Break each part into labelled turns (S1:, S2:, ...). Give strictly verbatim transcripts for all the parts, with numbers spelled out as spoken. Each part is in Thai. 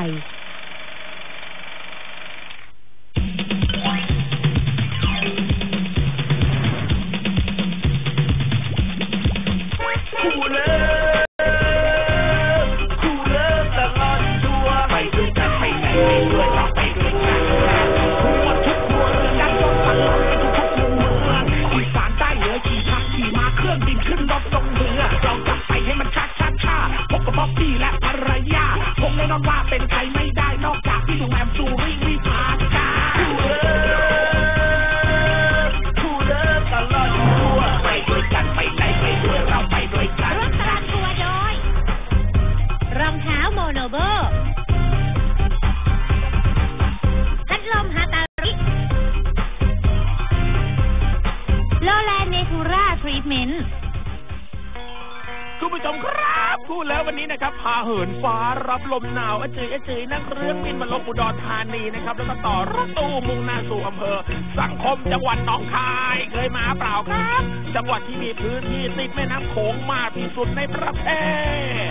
S1: เหินฟ้ารับลมหนาวอเจยอเจยนั่งเครื่องบินมาลงอุดรธานีนะครับแล้วก็ต่อรถตู้มุ่งหน้าสู่อำเภอสังคมจังหวัดหนองคายเคยมาเปล่าครับจังหวัดที่มีพื้นที่ติดแม่น้ำโขงมากที่สุดในประเทศ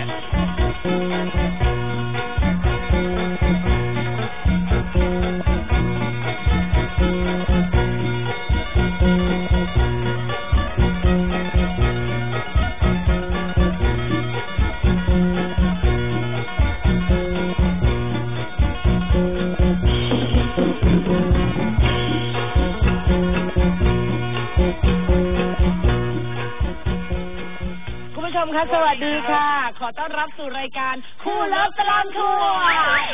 S2: สวัสดีค่ะขอต้อนรับสู่รายการคู่เลิฟตลอดทัวร์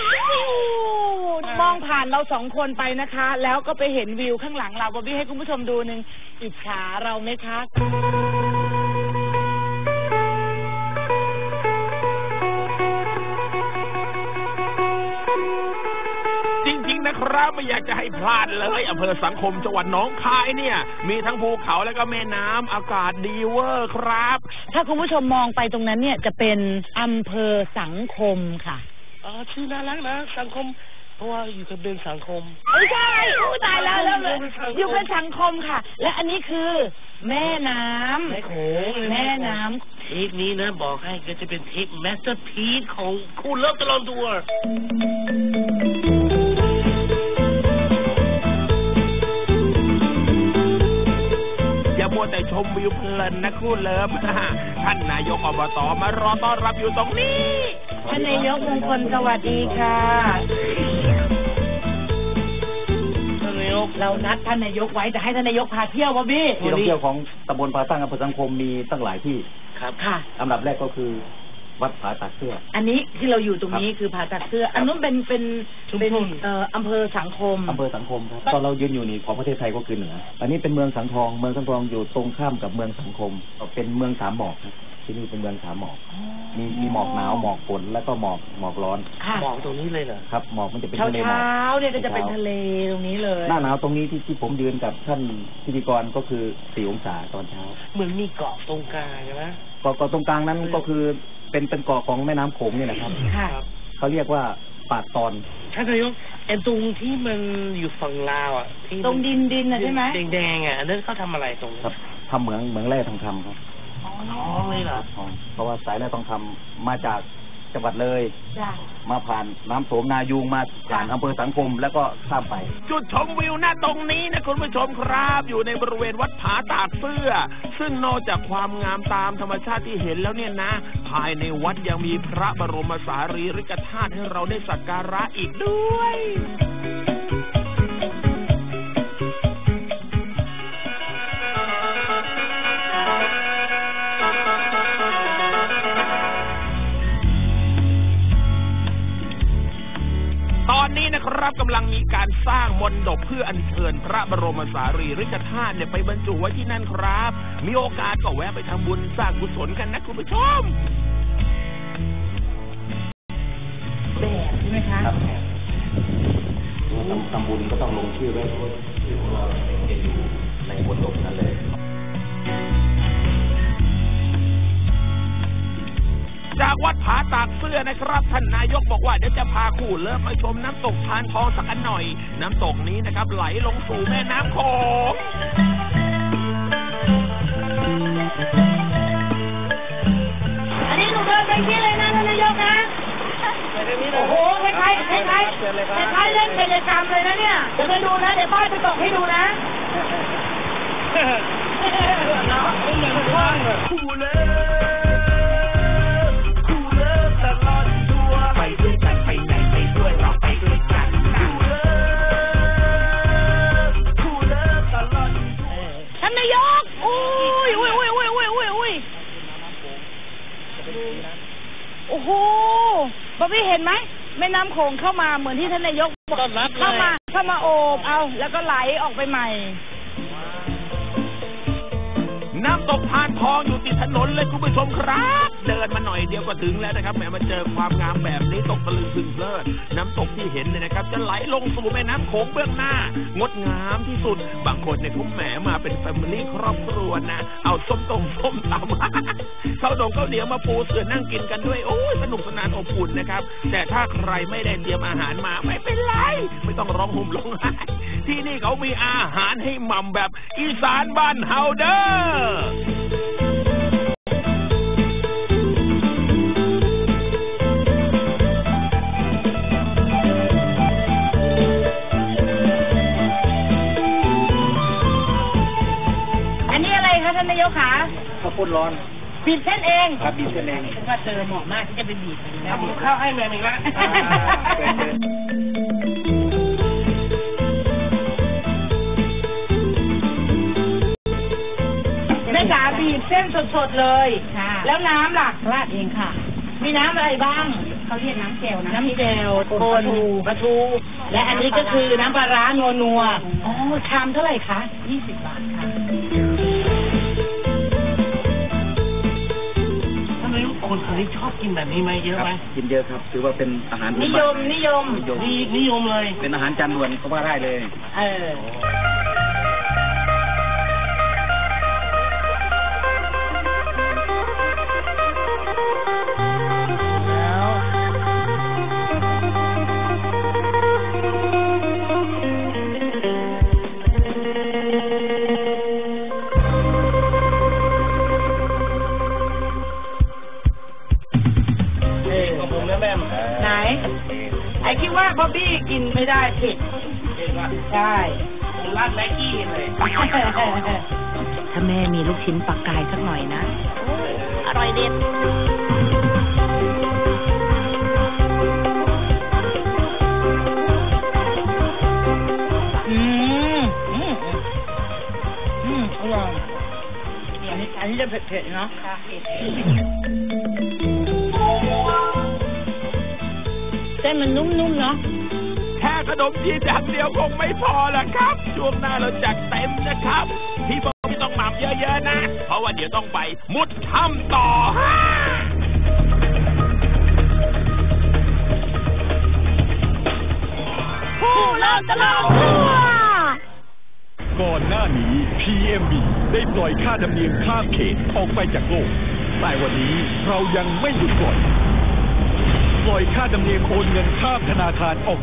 S2: มองผ่านเราสองคนไปนะคะแล้วก็ไปเห็นวิวข้างหลังเราบอบบี้ให้คุณผู้ชมดูหนึ่งอิจฉาเราไหมคะ
S1: ครับไม่อยากจะให้พลาดเลยอำเภอสังคมจังหวัดหนองคายเนี่ยมีทั้งภูเขาและก็แม่น้ำอากาศดีเวอร์ครับ
S2: ถ้าคุณผู้ชมมองไปตรงนั้นเนี่ยจะเป็นอำเภอสังคมค่ะ
S3: อ๋อชื่อน่ารักนะสังคมเพราะว่าอยู่กับเป็นสังคม
S2: ไม่ใช่อู้ตายแล้วแล้วเลยอยู่เป็นสังคมค่ะและอันนี้คือแม่น้ำ
S3: แม่โขง
S2: แม่น้ำ
S3: เทปนี้นะบอกให้ก็จะเป็นเทปแมสเตอร์พีซของคู่เลิฟตลอดทัวร์
S1: อย่ามัวแต่ชมวิวเพลินนะคู่เลิฟท่านนายกอบตมารอต้อนรับอยู่ตรงนี้
S2: ท่านนายกมงคลสวัสดีค่ะ
S3: ท่านนายก
S2: เรานัดท่านนายกไว้แต่ให้ท่านนายกพาเที่ยววะพี่
S4: ที่ท่องเที่ยวของตำบลผาตั้งอำเภอสังคมมีตั้งหลายที่
S3: ครับ
S2: ค่ะ
S4: อันดับแรกก็คือวัดผาตากเสื้อ
S2: อันนี้ที่เราอยู่ตรงนี้คือผาตากเสื้ออันนู้นเป็นเป็นเป็นเอ่ออำเภอสังคม
S4: อำเภอสังคมครับตอนเรายืนอยู่นี่ของประเทศไทยก็คือเหนืออันนี้เป็นเมืองสังทองเมืองสังทองอยู่ตรงข้ามกับเมืองสังคมเป็นเมืองสามหมอกครับที่นี่เป็นเมืองสามหมอกมีมีหมอกหนาวหมอกฝนแล้วก็หมอกหมอกร้อน
S3: หมอกตรงนี้เลยเหรอ
S4: ครับหมอกมันจะเป็นทะเล
S2: หมอกเช้าเนี่ยก็จะเป็นทะเลตรงนี้เลย
S4: หน้าหนาวตรงนี้ที่ที่ผมยืนกับท่านพิธีกรก็คือสี่องศาตอนเช้า
S3: เหมือนมีเกาะตรงกลางใช่ไหม
S4: เกาะเกาะตรงกลางนั้นก็คือเป็นเป็นเกาะของแม่น้ำโขงนี่แหละครับเขาเรียกว่าป่าตอน
S3: ท่านนายกไอ้ตรงที่มันอยู่ฝั่งลาวอ่ะที่
S2: ตรงดินดินอ่ะใช่ไหม
S3: แดงๆอ่ะอันนั้นเขาทำอะไรตรงนี้
S4: ครับทำเหมืองเหมืองแร่ทองคำครับ
S3: อ๋อเลยเหรอ
S4: เพราะว่าสายแร่ทองคำมาจากจังหวัดเลยมาผ่านน้ำโสมนายูงมาผ่านอำเภอสังคมแล้วก็ข้ามไป
S1: จุดชมวิวหน้าตรงนี้นะคุณผู้ชมครับอยู่ในบริเวณวัดผาตากเสื้อซึ่งนอกจากความงามตามธรรมชาติที่เห็นแล้วเนี่ยนะภายในวัดยังมีพระบรมสารีริกธาตุให้เราได้สักการะอีกด้วยตอนนี้นะครับกำลังมีการสร้างมณฑปเพื่ออัญเชิญพระบรมสารีริกธาตุเนี่ยไปบรรจุไว้ที่นั่นครับมีโอกาสก็แวะไปทำบุญสร้างกุศลกันนะคุณผู้ชม
S2: แบบใช่ไหมคะ
S4: ทำบุญก็ต้องลงชื่อไว้ชื่อของเราจะอยู่ในมณฑปนั่นเลย
S1: จากวัดผาตากเสื้อนะครับท่านนายกบอกว่าเดี๋ยวจะพาคู่เลิฟมาชมน้ำตกทานทองสักหน่อยน้ำตกนี้นะครับไหลลงสู่แม่น้ำโขง
S2: อันนี้หนูเดินไปที่เลยนะท่านนายกนะโอ้โหคล้ายๆำเลยนะเนี่ยเดี๋ยวไปดูนะเดี๋ยวป้ายจะตกให้ดูนะน้องไม่เหมือนว่างเลยคู่เลิฟคู่เลิฟตลอดทัวร์ไปด้วยกันไปไหนไปด้วยเราไปด้วยกันคู่เลิฟคู่เลิฟตลอดท่านนายกอุ้ยอุ้ยอุ้ยอุ้ยอุ้ยอุ้ยอุ้ยโอ้โหบ๊อบบี้เห็นไหมแม่น้ำโขงเข้ามาเหมือนที่ท่านนายกบอกเข้ามาเข้ามาโอบเอาแล้วก็ไหลออกไปใหม่
S1: น้ำตกพานทองอยู่ติดถนนเลยคุณผู้ชมครับเดินมาหน่อยเดียวก็ถึงแล้วนะครับแหมมาเจอความงามแบบนี้ตกตะลึงพึงเพลิดน้ำตกที่เห็นเนี่ยนะครับจะไหลลงสู่แม่น้ำโขงเบื้องหน้างดงามที่สุดบางคนเนี่ยเขาแหมมาเป็นแฟมิลี่ครอบครัวนะเอาส้มตรงส้มตำข้าวดงข้าวเหนียวมาปูเสือนั่งกินกันด้วยโอ้ยสนุกสนานอบอุ่นนะครับแต่ถ้าใครไม่ได้เตรียมอาหารมาไม่เป็นไรไม่ต้องร้องห่มร้องไห้ที่นี่เขามีอาหารให้หม่ำแบบอีสานบ้านเฮาเด้อ
S2: อันนี้อะไรคะท่านนายกคะ
S4: ข้าวปุ้นร้อน
S2: บีบเส้นเอง
S4: ครับบีบเส้นเอง
S3: ว่าเจอเหมาะมากที่จะไปบีบแล้วบีบข้าวให้แม่อีกแล้ว
S2: แม่จ๋าบีบเส้นสดๆเลยแล้วน้ำล่ะ
S3: ราดเองค่ะ
S2: มีน้ำอะไรบ้าง
S3: เขาเรียกน้ำเจลนะ
S2: น้ำเจลโคนปลาทูและอันนี้ก็คือน้ำปลาร้านัวนัวอ๋อชามเท่าไหร่คะ
S3: ยี่สิบบาทค่ะทำไมคนคนนี้ชอบกินแบบนี้ไหมเยอะไหม
S4: กินเยอะครับถือว่าเป็นอาหาร
S2: นิยมนิยม
S3: นิยมเลย
S4: เป็นอาหารจานด่วนก็ว่าได้เลย
S2: เออไหนไอ้คิดว่าบ๊อบบี้กินไม่ได้ผิดใช่
S3: ลาดแม็กกี้เลย
S2: ถ้าแม่มีลูกชิ้นปลากายสักหน่อยนะอร่อยเด็ดอืมอืมอืมอร่อยอันนี้อันนี้จะเผ็ดๆเนาะค่ะเผ็ดเส้นมันนุ่มๆเนาะ
S1: แค่ขนมจีนอย่างเดียวคงไม่พอละครับช่วงหน้าเราจัดเต็มนะครับพี่บอกพี่ต้องหม่ำเยอะๆนะเพราะว่าเดี๋ยวต้องไปมุดถ้ำต่อ
S2: ผู้เลิศตลอดทั่ว
S5: ก่อนหน้านี้ พี เอ็ม บี ได้ปล่อยค่าธรรมเนียมข้ามเขตออกไปจากโลกแต่วันนี้เรายังไม่หยุดปล่อยปล่อยค่าธรรมเนียมโอนเงินข้ามธนาคารออก